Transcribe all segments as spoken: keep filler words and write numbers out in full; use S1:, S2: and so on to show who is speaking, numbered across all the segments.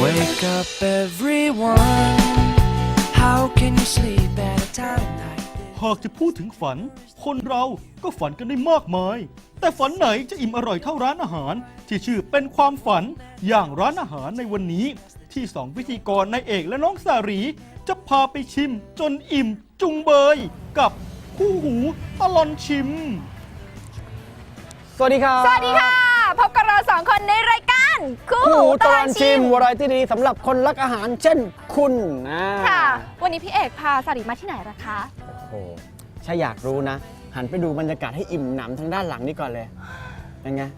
S1: Wake up everyone. How can you sleep at a time like this?
S2: หากจะพูดถึงฝันคนเราก็ฝันกันได้มากมายแต่ฝันไหนจะอิ่มอร่อยเท่าร้านอาหารที่ชื่อเป็นความฝันอย่างร้านอาหารในวันนี้ที่สองพิธีกรนายเอกและน้องสารีจะพาไปชิมจนอิ่มจุงเบยกับคู่หูตลอนชิม
S3: สวัสดีครับ
S4: สวัสดีค่ะพบกับเราสองคนในรายการคู่
S3: คู่
S4: หู
S3: ตลอดชิมวาไรตี้ดีสำหรับคนรักอาหารเช่นคุณนะ
S4: ค่ะวันนี้พี่เอกพาสารีมาที่ไหนล่ะคะ
S3: โอ้โหถ้าอยากรู้นะ หันไปดูบรรยากาศให้อิ่มหนำทางด้านหลังนี้ก่อนเลยเป็นไง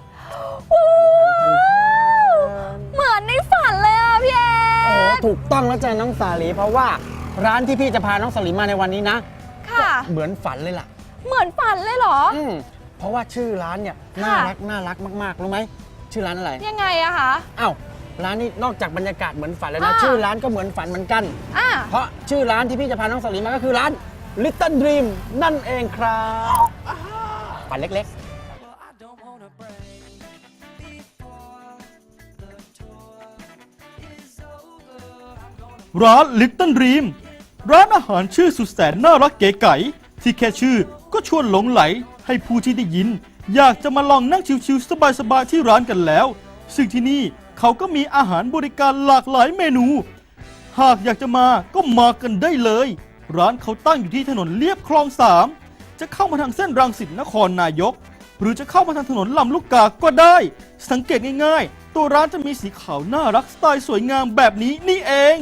S4: เหมือนในฝันเลยอ่ะพี่เอก
S3: โอ้ถูกต้องแล้วจ้ะน้องสาลีเพราะว่าร้านที่พี่จะพาน้องสาลีมาในวันนี้นะ
S4: ค่ะ
S3: เหมือนฝันเลยล่ะ
S4: เหมือนฝันเลยเหรอ
S3: อืมเพราะว่าชื่อร้านเนี่ยน่ารักน่ารักมากๆรู้ไหมชื่อร้านอะไร
S4: ยังไงอะคะ
S3: อ้าวร้านนี้นอกจากบรรยากาศเหมือนฝันแล้วนะ
S4: อ่า
S3: ชื่อร้านก็เหมือนฝันเหมือนกัน
S4: อ่ะ
S3: เพราะชื่อร้านที่พี่จะพาน้องสาลีมาก็คือร้าน Little Dream นั่นเองครับฝันเล็ก
S1: Well, I don't wanna break before the tour is over. I'm gonna
S2: ร้าน Little Dream ร้านอาหารชื่อสุดแสนน่ารักเก๋ไก๋ที่แค่ชื่อก็ชวนหลงไหลให้ผู้ที่ได้ยินอยากจะมาลองนั่งชิวๆสบายๆที่ร้านกันแล้วซึ่งที่นี่เขาก็มีอาหารบริการหลากหลายเมนูหากอยากจะมาก็มากันได้เลยร้านเขาตั้งอยู่ที่ถนนเลียบคลองสามจะเข้ามาทางเส้นรังสิตนครนายกหรือจะเข้ามาทางถนนลำลูกกาก็ได้สังเกตง่ายๆตัวร้านจะมีสีขาวน่ารักสไตล์สวยงามแบบนี้นี่เอง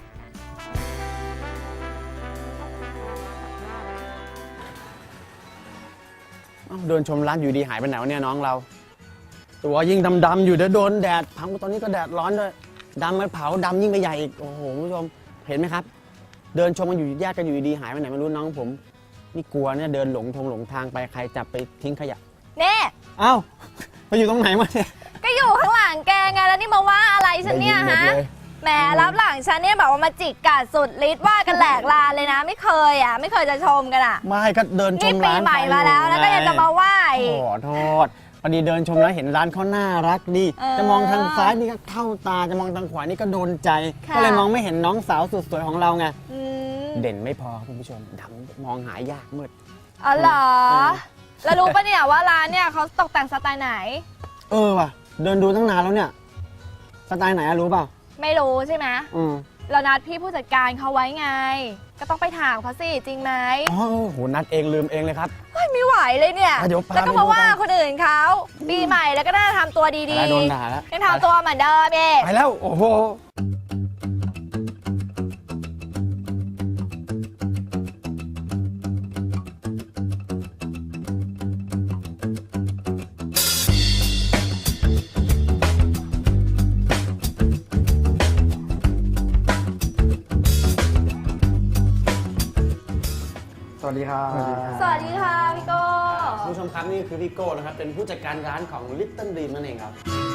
S3: ๆอ้าวเดินชมร้านอยู่ดีหายไปไหนวะเนี่ยน้องเรา ตัวยิ่งดำๆอยู่เดี๋ยวโดนแดดพังตอนนี้ก็แดดร้อนด้วยดำมันเผาดำยิ่งไปใหญ่อีกโอ้โหคุณผู้ชมเห็นไหมครับ เดินชมกันอยู่แยกกันอยู่ดีหายไปไหนไม่รู้น้องผมนี่กลัวเนี่ยเดินหลงทงหลงทางไปใครจับไปทิ้งขยะ
S4: เน่
S3: อ้าวไปอยู่ตรงไหนมาเนี่ย
S4: ก็อยู่ข้างหลังแกไงแล้วนี่มาว่าอะไรฉันเนี่ย
S3: ได้ยินหม
S4: ฮะ
S3: ดเลย
S4: แหมรับหลังฉันเนี่ยแบบว่ามาจิกกัดสุดฤทธิ์ว่ากันแหลกลานเลยนะ ไม่เคยอ่ะไม่เคยจะชมกันอ่ะ
S3: ไม่ก็เดินช
S4: นี่
S3: ม
S4: ปี
S3: ร้าน
S4: ใหม่มาแล้วแล้วก็ยังจะมาว่าอีก
S3: ขอโทษพอดีเดินชมแล้วเห็นร้านเขาน่ารักดี
S4: เออ
S3: จะมองทางซ้ายนี่ก็เข้าตาจะมองทางขวานี่ก็โดนใจ
S4: ค่ะ
S3: ก็เลยมองไม่เห็นน้องสาวสุดสวยของเราไง
S4: อืม
S3: เด่นไม่พอครับคุณผู้ชมดำมองหายากมืด
S4: อ๋อเหรอ
S3: เออ
S4: แล้วรู้ปะเนี่ยว่าร้านเนี่ยเขาตกแต่งสไตล์ไหน
S3: เออว่ะเดินดูตั้งนานแล้วเนี่ยสไตล์ไหนอะรู้เปล่า
S4: ไม่รู้ใช่ไหม
S3: อืม
S4: เรานัดพี่ผู้จัดการเขาไว้ไง ก็ต้องไปถามเขาสิจริงไหม
S3: อ๋อโหนัดเองลืมเองเลยครับ
S4: เฮ้ยไม่ไหวเลยเนี่ย
S3: อ่ะเดี๋ยวพา
S4: แล้วก็
S3: ไปดู
S4: มาว่า
S3: กัน
S4: คนอื่นเขาปีใหม่แล้วก็น่าทำตัวดี
S3: แล้วโดนด่าแล้ว
S4: ๆยังทำตัวเหมือนเดิมเอง
S3: ไปแล้วโอ้โหสวัสดีครับ
S4: สวัสดีค่ะพี่โก้
S3: คุณผู้ชมครับนี่คือพี่โก้นะครับเป็นผู้จัดการร้านของ Little Dream นั่นเองครับ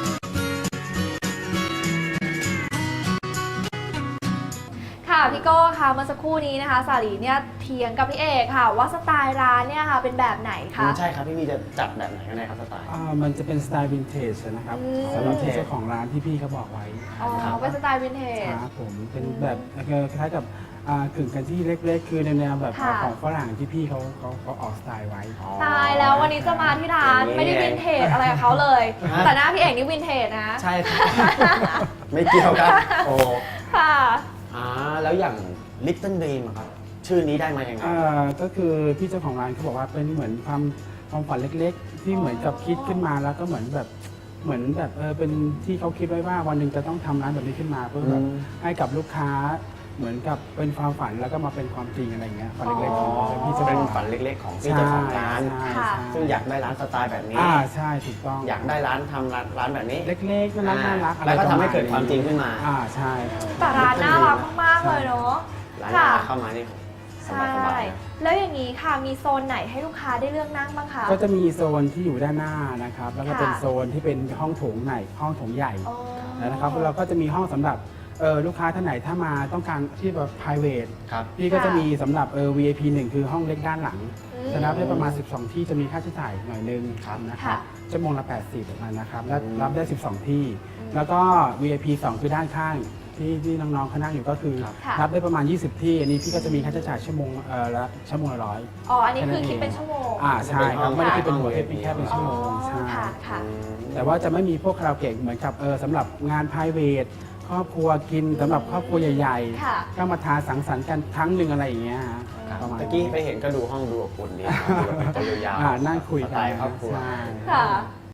S4: ค่ะพี่โก้ค่ะเมื่อสักครู่นี้นะคะสาลีเนี่ยเถียงกับพี่เอกค่ะ ว่าสไตล์ร้านเนี่ยค่ะเป็นแบบไหนคะ
S3: ใช่ครับพี่วีจะจัดแบบไหนกันแน่ครับสไตล์
S5: อ่ามันจะเป็นสไตล์วินเทจนะครับ
S4: อืม
S5: สำหรับที่เจ้าของร้านที่พี่เขาบอกไว้
S4: อ๋อเป็นสไตล์วินเทจ
S5: ครับผมเป็นแบบคล้ายๆกับอ่ากึ่งกันที่เล็กๆ คือในแนวแบบ
S4: ค่ะ
S5: ของฝรั่งที่พี่เขาเขาเขาออกสไตล์ไว้
S4: ตายแล้ววันนี้จะมาที่ร้านไม่ได้วินเทจอะไรกับเขาเลย
S3: ฮะ
S4: แต่หน้าพี่เอกนี่วินเทจนะ
S3: ใช่ครับ ไม่เกี่ยวกันโอ้
S4: ค่ะ
S3: อ่าแล้วอย่าง Little Dream อะครับชื่อนี้ได้มายังไง
S5: อ่าก็คือพี่เจ้าของร้านเขาบอกว่าเป็นเหมือนความความฝันเล็กๆ ที่เหมือนกับคิดขึ้นมาแล้วก็เหมือนแบบเหมือนแบบเออเป็นที่เขาคิดไว้ว่าวันหนึ่งจะต้องทำร้านแบบนี้ขึ้นมาเพื่อแบบ
S3: อืม
S5: ให้กับลูกค้าเหมือนกับเป็นความฝันแล้วก็มาเป็นความจริงอะไรเงี้ยฝันเล็กๆของ
S3: อ๋อ
S5: พี่เจ้า
S3: เป็
S5: ข
S3: น
S5: อง
S3: ฝั
S5: ร้าน
S3: นเล็กๆของพี่เจ้าของร้าน
S5: ใช่
S4: ค่ะ
S5: ใช่
S3: ซึ่งอยากได้ร้านสไตล์แบบนี้
S5: อ่าใช่ถูกต้อง
S3: อยากได้ร้านทำร้านร้านแบบนี้
S5: เล็กๆน่ารักน่ารักอะไร
S3: แล้วก็ทำให้
S5: ประณ
S3: เกิดความจริงขึ้นมา
S5: อ่าใช่ครับ
S4: แต่ร้านน่ารักมากๆเลยเนาะ
S3: ร้าน
S4: ค่ะ
S3: เข้ามานี่ส
S4: ใช่
S3: บายๆนะ
S4: แล้วอย่างนี้ค่ะมีโซนไหนให้ลูกค้าได้เลือกนั่งบ้างคะ
S5: ก็จะมีโซนที่อยู่ด้านหน้านะครับ แล้วก็
S4: ค่ะ
S5: เป็นโซนที่เป็นห้องโถงใหญ่ห้องโถงใหญ่
S4: อ๋อ
S5: นะครับเราก็จะมีห้องสำหรับเออลูกค้าท่านไหนถ้ามาต้องการที่แบบ private
S3: ครับ
S5: พี่ก็จะมีสำหรับเออ วี ไอ พี หนึ่งคือห้องเล็กด้านหลัง
S4: อืม
S5: จะนับได้ประมาณ สิบสอง ที่จะมีค่าใช้จ่ายหน่อยนึง
S3: ครับ
S5: นะครับ
S4: ค่ะ
S5: ชั่วโมงละแปดสิบประมาณนะครับและ
S3: อืม
S5: รับได้ สิบสอง ที่ แล้วก็ วี ไอ พี สอง คือด้านข้างที่ที่น้องๆเขานั่งอยู่ก็คือ
S4: ค่ะ
S5: รับได้ประมาณ ยี่สิบ ที่อันนี้พี่ก็จะมีค่าใช้จ่ายชั่วโมงเอ่อละชั่วโมงละร้อย
S4: อ๋ออันนี้คือคิดเป็นชั่วโมง
S5: อ่าใช่ครับไม่ได้คิดเป็นหัว
S3: ค่ะ
S5: คิดเป็นแค่เป็นชั่วโมง
S4: อ๋อ
S5: ใช่
S4: ค่ะค่ะ
S5: แต่ว่าจะไม่มีพวกคาราโอเกะเหมือนกับเออสำหรับงาน private ครอบครัวกินสำหรับครอบครัวใหญ่
S4: ค่ะ
S5: ๆก็มาทานสังสรรค์กันครั้งหนึ่งอะไรอย่างเงี้ยฮะประมาณ
S3: เมื่อกี้ไปเห็นก็ดูห้องดูอบอุ่นดีนะดูแบบเป็นตัวยาว
S5: อ่านั่งคุย
S3: ส
S5: กั
S3: ไต
S5: น
S3: ล์ครอบครัว
S5: ใช่
S4: ค่ะ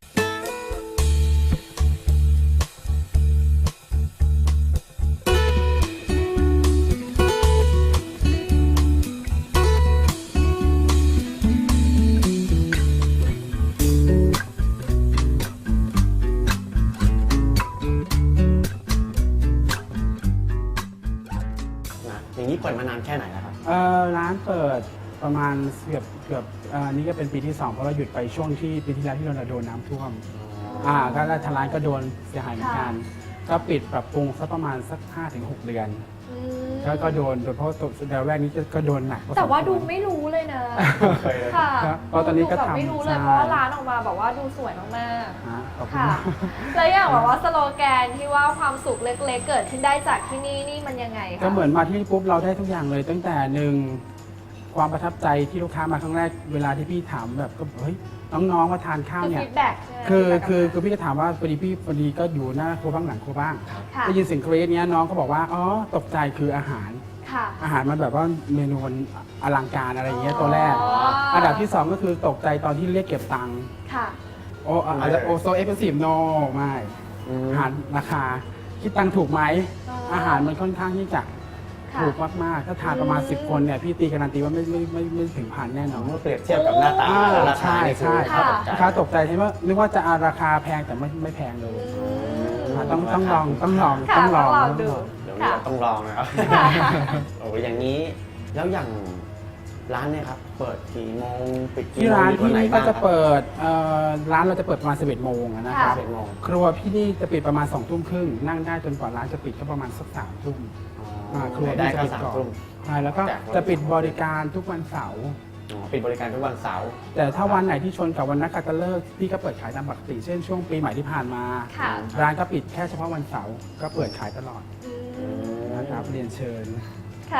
S3: นะอย่างนี้เปิดมานานแค่ไหนแล้วครับ
S5: เออร้านเปิดประมาณเกือบเกือบเอ่อนี่ก็เป็นปีที่สองเพราะเราหยุดไปช่วงที่ปีที่แล้วที่เราโดนน้ำท่วมอ่าก็ทางร้านก็โดนเสียหายเหมือนกัน ก็ปิดปรับปรุงสักประมาณสัก ห้าถึงหก เดือน
S4: อืม
S5: ก็ก็โดนโดยเพราะตัวเดือนแรกนี้ก็ก็โดนหนักพอสมควร
S4: แต่ว่าดูไม่รู้เลยนะ
S3: เคยเลย
S4: ค่ะ
S5: ครับเพราะตอนนี้ก็
S4: ดูแบบ
S5: ทำ
S4: ไม่รู้เลย
S5: ใช่
S4: เพราะว่าร้านออกมาแบบว่าดูสวยมาก
S5: ฮะขอบ
S4: ๆ
S5: คุณ
S4: ค่ะ
S5: มาก
S4: แล้วอย่างแบบว่าสโลแกนที่ว่าความสุขเล็กๆ เกิดขึ้นได้จากที่นี่นี่มันยังไงคะ
S5: ก็เหมือนมาที่นี่ปุ๊บเราได้ทุกอย่างเลย ตั้งแต่หนึ่งความประทับใจที่ลูกค้ามาครั้งแรกเวลาที่พี่ถามแบบก็เฮ้ยน้องๆมาทานข้าว
S4: คือ
S5: เนี่ย
S4: ฟีดแบ็กใช่ไหม
S5: คือ
S4: feedback
S5: คือ
S4: กลับมา
S5: คือพี่ก็ถามว่าพอดีพี่พอดีก็อยู่หน้าครัวบ้างหลังครัวบ้าง
S4: ค่ะ
S5: ได้ยินเสียงกรี๊ดเนี้ยน้องก็บอกว่าอ๋อตกใจคืออาหาร
S4: ค่ะ
S5: อาหารมันแบบว่าเมนูมันอลังการอะไรอย่างเงี้ยตัวแรก
S4: อ๋ออั
S5: อันดับที่สองก็คือตกใจตอนที่เรียกเก็บตังค์
S4: ค่ะ
S5: โออาจจะโอโซเอฟเฟซีฟโนไม่
S3: อืม
S5: อาหารราคาคิดตังค์ถูกไหม
S4: อ๋ออ
S5: อาหารมันค่อนข้างที่จะ
S4: ค่ะ
S5: ถูกมากๆถ้าทานประมาณ
S4: อืม
S5: สิบ คนเนี่ยพี่ตีการันตีว่าไม่ไม่ไม่ไม่ถึงพันแน่นอน
S3: เมื่อเปรียบเทียบกับหน้าตา
S5: อ่า
S3: และราคา
S5: ใช่
S3: นี่คือ
S5: ใช่
S3: ค่าตกใจ
S5: ลูกค้าตกใจใช่ไหมนึกว่าจะอาราคาแพงแต่ไม่ไม่แพงเลย
S4: อืม
S5: ต้องต้องลองต้องลอง
S4: ค่ะ
S5: ต้องลอง
S4: ต้องลองดู
S3: เดี๋ยว
S4: ค่ะ
S3: เราต้องลองนะครับ โอ้ยอย่างนี้ แล้วอย่างร้านเนี่ยครับ เปิดกี่โมงปิดกี่
S5: ที่
S3: โมง
S5: ร้าน
S3: มีวั
S5: ที่
S3: ไห
S5: นี่
S3: บ้
S5: ก็
S3: ง
S5: จะ
S3: ครับ
S5: เปิดเอ่อร้านเราจะเปิดประมาณสิบเอ็ดโมงอะนะค
S4: ค่ะ
S5: รับ
S3: สิบเอ็ดโมง
S5: ครัวพี่นี่จะปิดประมาณสองทุ่มครึ่งนั่งได้จนกว่าร้านจะปิดก็ประมาณสักสามทุ่ม
S3: อ๋อ
S5: ครัว
S3: ได้
S5: พี่จะ
S3: ก็
S5: ปิด
S3: สาม
S5: ก่อน
S3: ทุ่ม
S5: ใช่แล้วก็
S3: แต่
S5: จะปิดบริการทุกวันเสาร์
S3: อ๋อปิดบริการทุกวันเสาร์
S5: แต่ถ้าวันไหนที่ชนกับวันนักขัตฤกษ์พี่ก็เปิดขายตามปกติเช่นช่วงปีใหม่ที่ผ่านมา
S4: ค่ะ
S5: ร้านก็ปิดแค่เฉพาะวันเสาร์ก็เปิดขายตลอด
S4: อืม
S5: นะครับเรียนเชิญ
S4: ค่ะ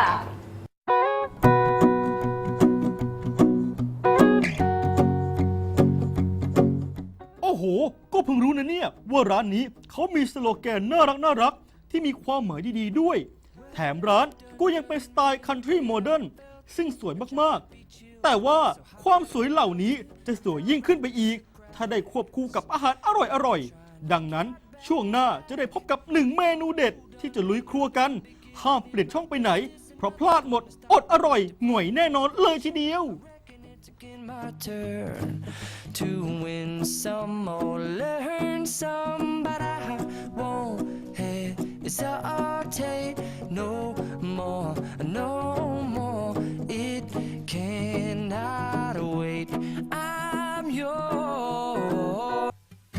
S2: โอ้โห ก็เพิ่งรู้นะเนี่ยว่าร้านนี้เขามีสโลแกนน่ารักน่ารักที่มีความหมายดีๆด้วย แถมร้านก็ยังเป็นสไตล์คันทรีโมเดิร์นซึ่งสวยมากๆ แต่ว่าความสวยเหล่านี้จะสวยยิ่งขึ้นไปอีก ถ้าได้ควบคู่กับอาหารอร่อยๆ ดังนั้นช่วงหน้าจะได้พบกับหนึ่งเมนูเด็ดที่จะลุยครัวกัน ห้ามเปลี่ยนช่องไปไหน เพราะพลาดหมดอดอร่อยหน่วยแน่นอนเลยทีเดียว
S1: It's again my turn to win some or learn some, but I won't hesitate no more, no more. It cannot wait. I'm yours.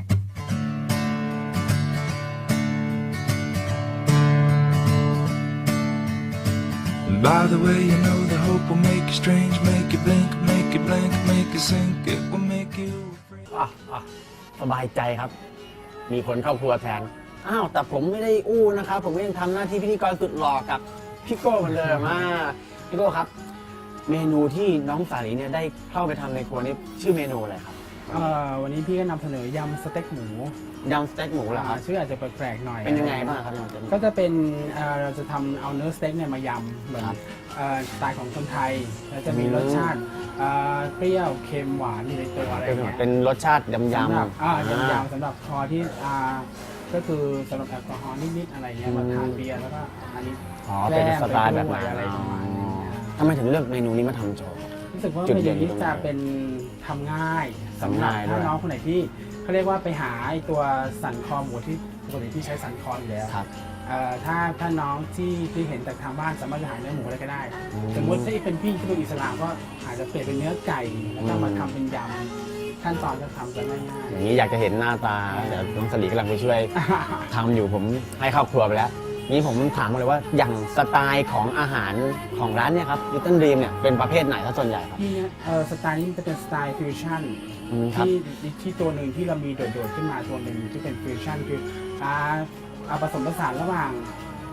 S6: By the way, you know the hope will make you strange, make you blink, make you blank, make you sink, it will make you afraid.
S3: อ่ะอ่ะสบายใจครับ มีคนเข้าครัวแทน อ้าว แต่ผมไม่ได้อู้นะครับ ผมก็ยังทำหน้าที่พิธีกรสุดหล่อกับพี่โก้เหมือนเดิมอ่าพี่โก้ครับ เมนูที่น้องสาลีเนี่ยได้เข้าไปทำในครัวนี้ชื่อเมนูอะไรครับ
S5: เอ่อวันนี้พี่ก็นำเสนอยำสเต็กหมู
S3: ยำสเต็กหมูเหรอครับ
S5: ชื่ออาจจะแปลกๆหน่อย
S3: เป็นยังไงบ้างครับยำสเต็กหมู
S5: ก็จะเป็นเอ่อเราจะทำเอาเนื้อสเต็กเนี่ยมายำเหมือน
S3: ครับ
S5: เอ่อสไตล์ของคนไทยแล้วจะมี
S3: อืม
S5: รสชาติเอ่อเปรี้ยวเค็มหวานอยู่ในตัวอะไร
S3: เป็น
S5: เงี้ย
S3: เป็นรสชาติยำยำ
S5: สำหรับอ่า
S3: อ่าย
S5: ำๆสำหรับคอที่อ่าก็คือสำหรับแอลกอฮอล์นิดๆอะไรเงี้ย
S3: อืม
S5: มาทานเบียร์แล้วก็อันนี้
S3: อ๋อเป็นสไตล์แบบ
S5: แกล้
S3: นั้น
S5: มไปด้วยอะไรประมาณนี้นะ
S3: ทำไมถึงเลือกเมนูนี้มาทำโชว์
S5: รู้สึกว่า
S3: จุด
S5: เม
S3: เด่
S5: นู
S3: น
S5: นี้
S3: ตรงไหน
S5: จะเป็นทำง่ายสำ
S3: ทำ
S5: หรับ
S3: ง่ายด้วย
S5: ถ้าน้องคนไหนที่เขาเรียกว่าไปหาไอ้ตัวสันคอหมูที่ปกติที่ใช้สันคออยู่แล้ว
S3: ครับ
S5: เอ่อถ้าถ้าน้องที่ที่เห็นจากทางบ้านสามารถจะหาเนื้อหมูอะไรก็ได้
S3: อืม
S5: สมมติถ้าเป็นพี่ที่เป็นอิสลามก็อาจจะเปลี่ยนเป็นเนื้อไก่แล้วก็มา
S3: อืม
S5: ทำเป็นยำขั้นตอนจะทำจะง่าย
S3: อย่างนี้อยากจะเห็นหน้าตาเดี๋ยวน้องสลีกำลังไปช่วย
S5: ๆ
S3: ทำอยู่ผมให้เข้าครัวไปแล้ว นี่ผมถามมาเลยว่าอย่างสไตล์ของอาหารของร้านเนี่ยครับลิตเติ้ลดรีมเนี่ยเป็นประเภทไหนถ้าส่วนใหญ่ครับ
S5: ที่เนี่ยเอ่อสไตล์นี้จะเป็นสไตล์ฟิวชั่น
S3: อืมครับ
S5: ที่ที่ตัวหนึ่งที่เรามีโดดๆขึ้นมาตัวหนึ่งที่เป็นฟิวชั่นคืออ่าเอาผสมผสานระหว่าง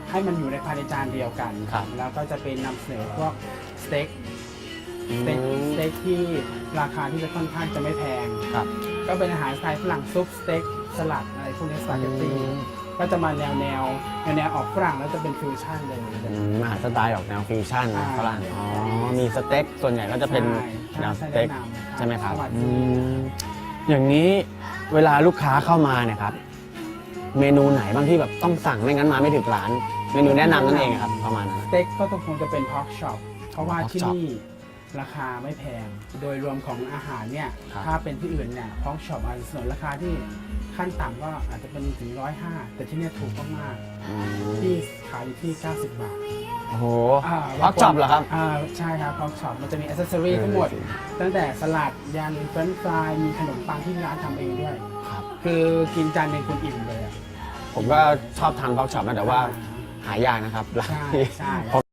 S5: ให้มันอยู่ในภายในจานเดียวกัน
S3: ครับ
S5: แล้วก็จะเป็นนำเสนอพวกสเต็กสเต็กสเต็กที่ราคาที่จะค่อนข้างจะไม่แพง
S3: ครับ
S5: ก็เป็นอาหารสไตล์ฝรั่งซุปสเต็กสลัดอะไรพวกนี้สปาเกตตี้
S3: อืม
S5: ก็จะมาแนวแนวแนวแนวออกฝรั่งแล้วจะเป็นฟิวชั่นเลย
S3: อืมอาหารสไตล์ออกแนวฟิวชั่น
S5: อ่า
S3: ฝรั่งอ๋อมีสเต็กส่วนใหญ่ก็จะเป็น
S5: ใช่
S3: แนวส
S5: ใช่
S3: เต็ก
S5: แนะนำ
S3: ใช่ไหมครับ
S5: สวัส
S3: อื
S5: ดี
S3: มอย่างนี้เวลาลูกค้าเข้ามาเนี่ยครับ เมนูไหนบ้างที่แบบต้องสั่งไม่งั้นมาไม่ถึงร้าน เมนูแนะนำนั่นเองครับประมาณนั้น
S5: สเต็กก็ต้องคงจะเป็นพอกช็อปเพราะว่า
S3: pork
S5: ที่
S3: chop
S5: นี่ราคาไม่แพง โดยรวมของอาหารเนี่ย
S3: ครับ
S5: ถ้าเป็นที่อื่นเนี่ยพอกช็อปอาจจะเสนอราคาที่ขั้นต่ำก็อาจจะเป็นถึงร้อยห้าแต่ที่เนี่ยถูกมาก
S3: อื
S5: ๆ
S3: ม
S5: ที่ขายอยู่ที่ เก้าสิบบาท
S3: โอ้โห
S5: า
S3: พอกช็อปเหรอครับ
S5: อ่าใช่ครับพอกช็อปมันจะมีอ c เซสซอรี่ทั้งหมด ตั้งแต่สลัดยันเฟรนช์ฟรายมีขนมปังที่ร้านทำเองด้วย
S3: ครับ
S5: คือกินจานหนึงคุณอิ่มเลยอะ
S3: ผมก็ชอบทานพอกช็อปนะแต่ว่าหายากนะครับร้าน
S5: ใช่
S3: ที่
S5: ใช่